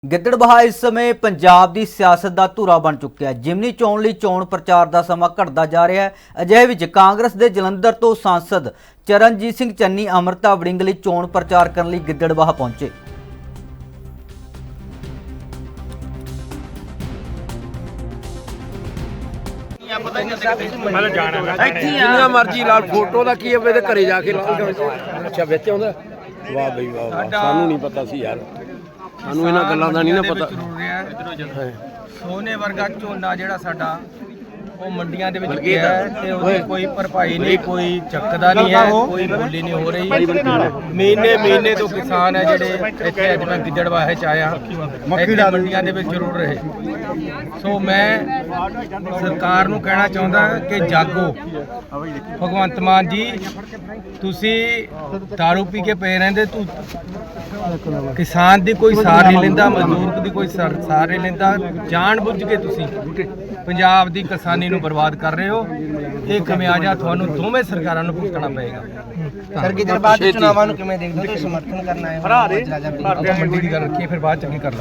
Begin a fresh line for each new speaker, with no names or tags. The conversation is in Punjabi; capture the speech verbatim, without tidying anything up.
ਗਿੱਦੜਬਾਹਾ ਇਸ ਸਮੇਂ ਪੰਜਾਬ ਦੀ ਸਿਆਸਤ ਦਾ ਧੂਰਾ ਬਣ ਚੁੱਕਿਆ ਹੈ। ਜਿਮਨੀ ਚੋਣ ਲਈ ਚੋਣ ਪ੍ਰਚਾਰ ਦਾ ਸਮਾਂ ਘਟਦਾ ਜਾ ਰਿਹਾ ਹੈ। ਅਜਿਹੇ ਵਿੱਚ ਕਾਂਗਰਸ ਦੇ ਜਲੰਧਰ ਤੋਂ ਸਾਂਸਦ ਚਰਨਜੀਤ ਸਿੰਘ ਚੰਨੀ ਅਮਰਤਾ ਵੜਿੰਗ ਲਈ ਚੋਣ ਪ੍ਰਚਾਰ ਕਰਨ ਲਈ ਗਿੱਦੜਬਾਹਾ ਪਹੁੰਚੇ।
ਜਿੰਨਾ ਮਰਜੀ ਲਾਲ ਫੋਟੋ ਦਾ ਕੀ ਹੈ ਘਰੇ ਜਾ ਕੇ ਅੱਛਾ ਵਿੱਚ ਆਉਂਦਾ। ਵਾਹ ਬਈ ਵਾਹ ਵਾਹ, ਸਾਨੂੰ ਨਹੀਂ ਪਤਾ ਸੀ ਯਾਰ, ਸਾਨੂੰ ਇਹਨਾਂ ਗੱਲਾਂ ਦਾ ਨਹੀਂ ਨਾ ਪਤਾ।
ਸੋਨੇ ਵਰਗਾ ਝੋਨਾ ਜਿਹੜਾ ਸਾਡਾ ਉਹ ਮੰਡੀਆਂ ਦੇ ਵਿੱਚ ਗਿਆ ਤੇ ਉਹਦੀ ਕੋਈ ਭਰਪਾਈ ਨਹੀਂ, ਕੋਈ ਚੱਕਦਾ ਨਹੀਂ ਹੈ, ਕੋਈ ਬੋਲੀ ਨਹੀਂ ਹੋ ਰਹੀ। ਮਹੀਨੇ ਮਹੀਨੇ ਤੋਂ ਕਿਸਾਨ ਹੈ ਜਿਹੜੇ ਇੱਥੇ ਅੱਜ ਮੈਂ ਗਿੱਦੜਬਾਹੇ ਚ ਆਇਆ, ਇੱਥੇ ਮੰਡੀਆਂ ਦੇ ਵਿੱਚ ਜ਼ਰੂਰ ਰਹੇ। ਸੋ ਮੈਂ ਸਰਕਾਰ ਨੂੰ ਕਹਿਣਾ ਚਾਹੁੰਦਾ ਕਿ ਜਾਗੋ। ਭਗਵੰਤ ਮਾਨ ਜੀ, ਤੁਸੀਂ ਦਾਰੂ ਪੀ ਕੇ ਪਏ ਰਹਿੰਦੇ, ਤੂੰ ਕਿਸਾਨ ਦੀ ਕੋਈ ਸਾਰ ਨਹੀਂ ਲੈਂਦਾ, ਮਜ਼ਦੂਰ ਦੀ ਕੋਈ ਸਾਰ ਨਹੀਂ ਲੈਂਦਾ। ਜਾਣ ਬੁੱਝ ਕੇ ਤੁਸੀਂ ਪੰਜਾਬ ਦੀ ਕਿਸਾਨੀ ਨੂੰ ਬਰਬਾਦ ਕਰ ਰਹੇ ਹੋ। ਇਹ ਖਮਿਆਜਾ ਤੁਹਾਨੂੰ ਦੋਵੇਂ ਸਰਕਾਰਾਂ ਨੂੰ ਭੁਗਤਣਾ ਪਏਗਾ।
ਸਰ ਗਿੱਦੜਬਾਹਾ ਦੇ ਚੁਣਾਵਾਂ ਨੂੰ ਕਿਵੇਂ ਦੇਖਦੇ ਹੋ? ਤੁਸੀਂ ਸਮਰਥਨ ਕਰਨਾ ਹੈ
ਆਪਾਂ ਮੰਡੀ ਦੀ ਗੱਲ ਰੱਖੀਏ, ਫਿਰ ਬਾਅਦ ਚ ਕੀ ਕਰਨਾ।